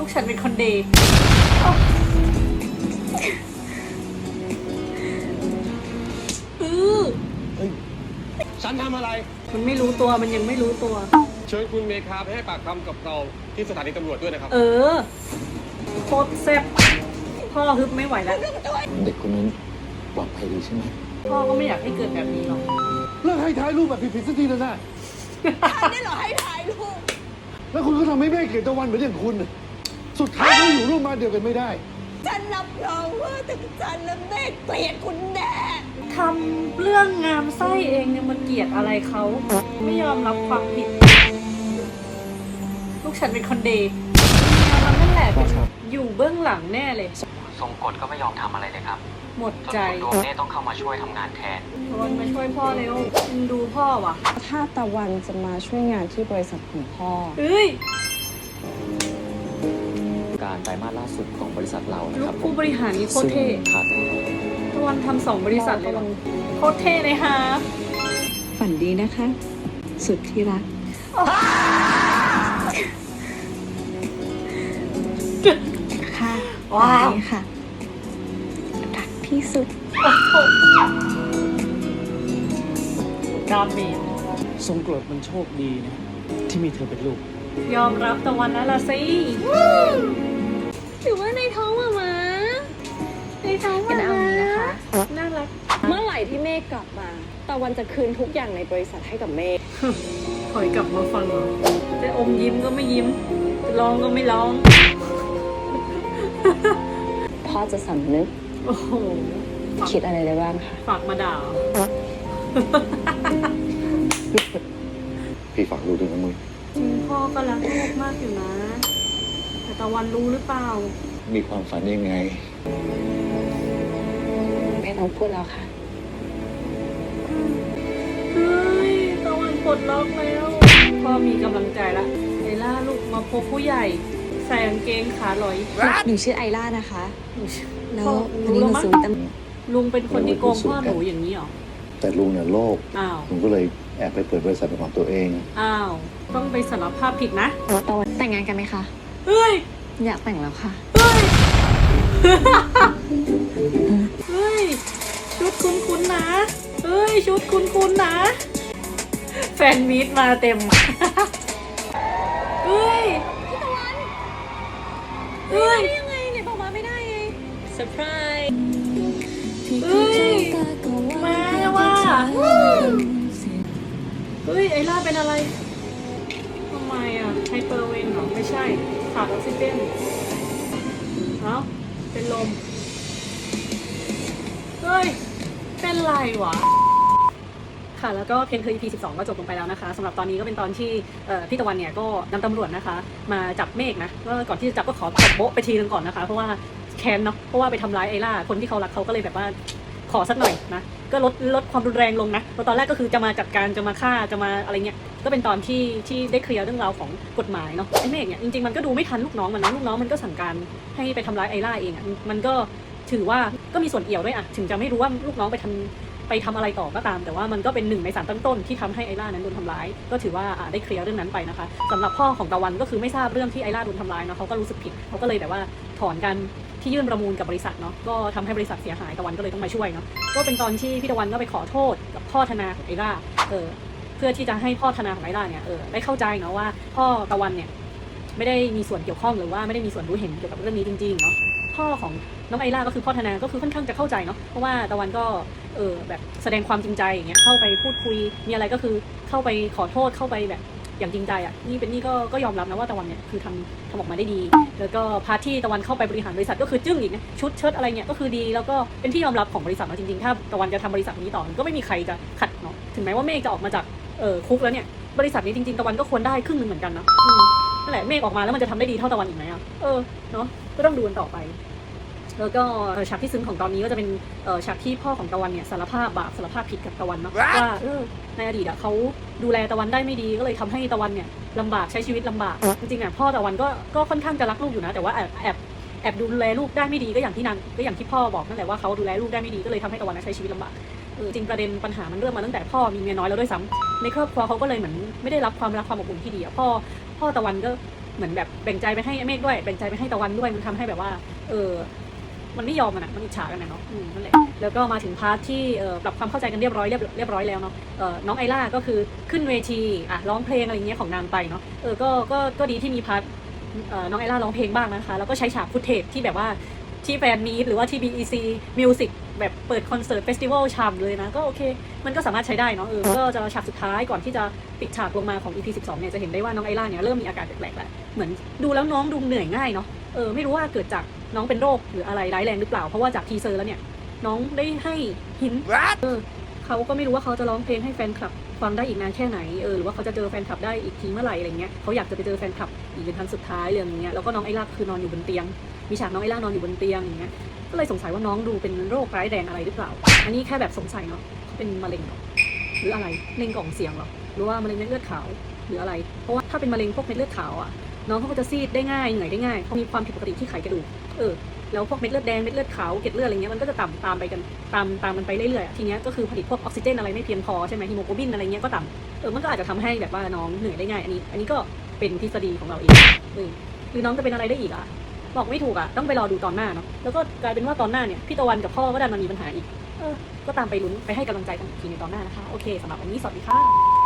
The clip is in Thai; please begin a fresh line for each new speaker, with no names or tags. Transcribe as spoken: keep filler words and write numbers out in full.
ฉันเป็นคนดีอือ
ฉันทำอะไร
มันไม่รู้ตัวมันยังไม่รู้ตัว
เชิญคุณเมคาไปให้ปากคำกับเราที่สถานีตำรวจด้วยนะครับ
เออโคตรแซ่บพ่อฮึบไม่ไหวแล้ว
เด็กคนนั้นปลอดภัยดีใช่ไหม
พ่อก็ไม่อยากให้เกิดแบบนี้หรอก
เลิกให้ถ่ายรูปแบบผิดๆสักทีนะนะ
ฉันนี่เหรอให้ถ่ายรูป
แล้วคุณก็ทำให้แม่เกลียดตะวันเหมือนอย่างคุณสุดท้ายก็อยู่ร่วมบ้านเดียวกันไม่ได้
ฉันรับรองว่าแต่ฉันและแม่เกลียดคุณแน่
ทำเรื่องงามไส้เองเนี่ยมันเกลียดอะไรเขาไม่ยอมรับความผิดลูกฉันเป็นคนดีมันนั่นแหละอยู่เบื้องหลังแน่เลย
ทรงกฎก็ไม่ยอมทำอะไรเลยครับ
หมดใจ
ดวงเน่ต้องเข้ามาช่วยทำงานแทน
ตะวันมาช่วยพ่อเร็วดูพ่อว่ะ
ถ้าตะวันจะมาช่วยงานที่บริษัทของพ่อ
เอ้ย
การไตรมาสล่าสุดของบริษัทเรานะครับ
ผู้บริหารนี่โคตรเท่ตะวันทำสองบริษัทเลยโคตรเท่เลยฮะ
ฝันดีนะคะสุดที่รักค่ะ
ว้าว
ค่ะรักที่สุด
ดามี
ทรงกรดมันโชคดีนะที่มีเธอเป็นลูก
ยอมรับตะวันแล้วล่ะสิ
ถือว่าในท้องมามาในท้องมา
เอานี้นะคะ
น่ารัก
เมื่อไหร่ที่เมฆกลับมาตะวันจะคืนทุกอย่างในบริษัทให้กับเมฆ
ถอยกลับมาฟังเหรอจะอมยิ้มก็ไม่ยิ้มจะร้องก็ไม่ร้อง
พ่อจะสำนึก
โอ้โห
คิดอะไรได้บ้างคะ
ฝากมาด่า
พี่ฝากดูด้วยนะมึง
จริงพ่อก็รักลูกมากอยู่นะแต่ตะวันรู้หรือเปล่า
มีความฝันยังไง
ไม่ต้องพูดแล้วค่ะ
เฮ้ยตะวันปลดล็อกแล้วพ่อมีกำลังใจละไอล่าลูกมาพบผู้ใหญ่ใส่กางเกงขาลอย
หนูชื่อไอล่านะคะแล้ว
วันนี้หนูซื้อตั้งลุงเป็นคนที่โกงพ่อหนูอย่างนี้หรอ
แต่ลุงเนี่ยโลภ
อ้าว
ลุงก็เลยแอบไปเปิดบริษัทเป็นของตัวเอง
อ้าวต้องไปสารภาพผิดนะ
ตอนแต่งงานกันไหมคะ
เฮ้ย
อยากแต่งแล้วค่ะ
เฮ้ยเฮ้ยชุดคุ้นๆนะเฮ้ยชุดคุ้นๆนะแฟนมีตมาเต็มเฮ้ย
เฮ้ยยังไงเนี่ยบอกมาไม่ได้ไงเซอร์ไพรส์
เฮ้ยมาว่ะเฮ้ยไอล่าเป็นอะไรทำไมอ่ะไฮเปอร์เวนเหรอไม่ใช่ขาดออกซิเจนเอ้าเป็นลมเฮ้ยเป็นไรวะค่ะแล้วก็เพนคือ อี พี สิบสองก็จบลงไปแล้วนะคะสำหรับตอนนี้ก็เป็นตอนที่พี่ตะวันเนี่ยก็นำตำรวจนะคะมาจับเมฆนะก็ก่อนที่จะจับก็ขอตบโบ๊ะไปทีนึงก่อนนะคะเพราะว่าแค้นเนาะเพราะว่าไปทำร้ายไอล่าคนที่เขารักเขาก็เลยแบบว่าขอสักหน่อยนะก็ลดลดความรุนแรงลงนะเพราะตอนแรกก็คือจะมาจัดการจะมาฆ่าจะมาอะไรเงี้ยก็เป็นตอนที่ที่ได้เคลียร์เรื่องราวของกฎหมายเนาะไอเมฆเนี่ยจริงๆมันก็ดูไม่ทันลูกน้องมันนะลูกน้องมันก็สั่งการให้ไปทำร้ายไอล่าเองอ่ะมันก็ถือว่าก็มีส่วนเอี่ยวด้วยอ่ะถึงจะไม่รู้ว่าลูกน้องไปทำไปทำอะไรต่อก็ตามแต่ว่ามันก็เป็นหนึ่งในสารตั้งต้นที่ทำให้ไอล่านั้นโดนทำร้ายก็ถือว่าได้เคลียร์เรื่องนั้นไปนะคะสำหรับพ่อของตะวันก็คือไม่ทราบเรื่องที่ไอล่าโดนทำร้ายเนาะเขาก็รู้สึกผิดเขาก็เลยแบบว่าถอนกันที่ยื่นประมูลกับบริษัทเนาะก็ทำให้บริษัทเสียหายตะวันก็เลยต้องมาช่วยเนาะก็เป็นตอนที่พี่ตะวันก็ไปขอโทษกับพ่อธนาของไอล่าเออเพื่อที่จะให้พ่อธนาของไอล่าเนี่ยเออได้เข้าใจเนาะว่าพ่อตะวันเนี่ยไม่ได้มีส่วนเกี่ยวข้องหรือว่าไม่ได้มีส่วนรู้เห็นเกี่ยวกับเรื่องนี้จริงๆเนาะพ่อของน้องไอล่าก็คือพ่อธนาก็คือค่อนข้างจะเข้าใจเนาะเพราะว่าตะวันก็เออแบบแสดงความจริงใจอย่างเงี้ยเข้าไปพูดคุยมีอะไรก็คือเข้าไปขอโทษเข้าไปแบบอย่างจริงใจอ่ะนี่เป็นนี่ก็ก็ยอมรับนะว่าตะวันเนี่ยคือทำทำออกมาได้ดีแล้วก็พาร์ทที่ตะวันเข้าไปบริหารบริษัทก็คือจึ้งอีกนะชุดเชิ้ตอะไรเนี่ยก็คือดีแล้วก็เป็นที่ยอมรับของบริษัทเนาะจริงๆถ้าตะวันจะทำบริษัทนี้ต่อก็ไม่มีใครจะขัดเนาะถึงแม้ว่าเมฆจะออกมาจากเออคุกแล้วเนี่ยบริษัทนี้จริงๆตะวันก็ควรได้ครึ่งนึงเหมือนกันนะนั่นแหละเมฆออกมาแล้วมันจะทำได้ดีเท่าตะวันอีกไหมอ่ะเออเนาะก็ต้องดูกันต่อไปแล้วก็ฉากที่ซึ้งของตอนนี้ก็จะเป็นฉากที่พ่อของตะวันเนี่ยสารภาพบาปสารภาพผิดกับตะวันเนาะว่าเออในอดีตอ่ะเขาดูแลตะวันได้ไม่ดีก็เลยทำให้ตะวันเนี่ยลำบากใช้ชีวิตลำบากจริงๆอ่ะพ่อตะวันก็ก็ค่อนข้างจะรักลูกอยู่นะแต่ว่าแอบแอบแอบดูแลลูกได้ไม่ดีก็อย่างที่นั้นก็อย่างที่พ่อบอกนั่นแหละว่าเขาดูแลลูกได้ไม่ดีก็เลยทำให้ตะวันใช้ชีวิตลำบากเออจริงประเด็นปัญหามันเริ่มมาตั้งแต่พ่อมีเมียน้อยแล้วด้วยซ้ำในครอบครัวเขาก็เลยเหมือนไม่ได้รับความรักความอบอุ่นที่ดีอ่ะพ่อพ่อตะวันก็เหมือนแบบแบ่งใจไปให้เมฆด้วยแบ่งใจไปให้ตะวันด้วยมันทำให้แบบว่าเออมันไม่ยอมกันอะมันอิจฉากันนะเนาะอืมนั่นแหละแล้วก็มาถึงพาร์ทที่เอ่อปรับความเข้าใจกันเรียบร้อยเรียบเรียบร้อยแล้วเนาะเอ่อน้องไอล่าก็คือขึ้นเวทีอ่ะร้องเพลงอะไรอย่างเงี้ยของนางไปเนาะเออก็ก็ก็ดีที่มีพาร์ทเอ่อน้องไอล่าร้องเพลงบ้างนะคะแล้วก็ใช้ฉากฟุตเทจที่แบบว่าที่แฟนมีตหรือว่าที่ บี อี ซี Music แบบเปิดคอนเสิร์ตเฟสติวัลฉ่ำเลยนะก็โอเคมันก็สามารถใช้ได้เนาะเออก็จะฉากสุดท้ายก่อนที่จะปิดฉากลงมาของ อี พี สิบสองเนี่ยจะเห็นได้ว่าน้องไอล่าเนี่ยเริ่มมีอาการแปลกๆแล้วเหมือนดูแล้วน้องดูเหนื่อยง่ายเนาะเออไม่รู้ว่าเกิดจากน้องเป็นโรคหรืออะไรร้ายแรงหรือเปล่าเพราะว่าจากทีเซอร์แล้วเนี่ยน้องได้ให้หินเออเขาก็ไม่รู้ว่าเขาจะร้องเพลงให้แฟนคลับฟังได้อีกนานแค่ไหนเออหรือว่าเขาจะเจอแฟนคลับได้อีกทีเมื่อไหร่อะไรเงี้ยเขาอยากจะไปเจอแฟนคลับอีกเป็นครั้งสุดท้ายเรื่องเนี้ยแล้วก็น้องไอล่าคือนอนอยู่บนเตียงมีฉากน้องไอล่านอนอยู่บนเตียงอย่างเงี้ยก็เลยสงสัยว่าน้องดูเป็นโรคร้ายแรงอะไรหรือเปล่าอันนี้แค่แบบสงสัยเนาะเขาเป็นมะเร็งเหรอหรืออะไรมะเร็งกล่องเสียงเหรอหรือว่ามะเร็งเม็ดเลือดขาวหรืออะไรเพราะว่าถ้าเป็นมะเร็งพวกเม็ดเลือดขาวอ่ะน้องเขาก็จะซีดได้ง่ายเหนื่อยได้ง่ายเพราะมีความผิดปกติที่ไขกระดูกเออแล้วพวกเม็ดเลือดแดงเม็ดเลือดขาวเกล็ดเลือดอะไรเงี้ยมันก็จะต่ำตามไปกันตามตามมันไปเรื่อยๆทีเนี้ยก็คือผลิตพวกออกซิเจนอะไรไม่เพียงพอใช่ไหมฮีโมโกลบินอะไรเงี้ยก็ต่ำเออมันก็อาจจะทำให้แบบว่าน้องเหนื่อยได้ง่ายอันนี้อันนี้ก็เป็นทฤษฎีของเราเองเออหรือน้องจะเป็นอะไรได้อีกอ่ะบอกไม่ถูกอ่ะต้องไปรอดูตอนหน้าเนาะแล้วก็กลายเป็นว่าตอนหน้าเนี่ยพี่ตะวันกับพ่อก็ดันมามีปัญหาอีกเออก็ตามไปลุ้นไปให้กำลังใจกันอีกทีในตอนหน้านะคะโอเคสำหรับวันนี้สวัสดีค่ะ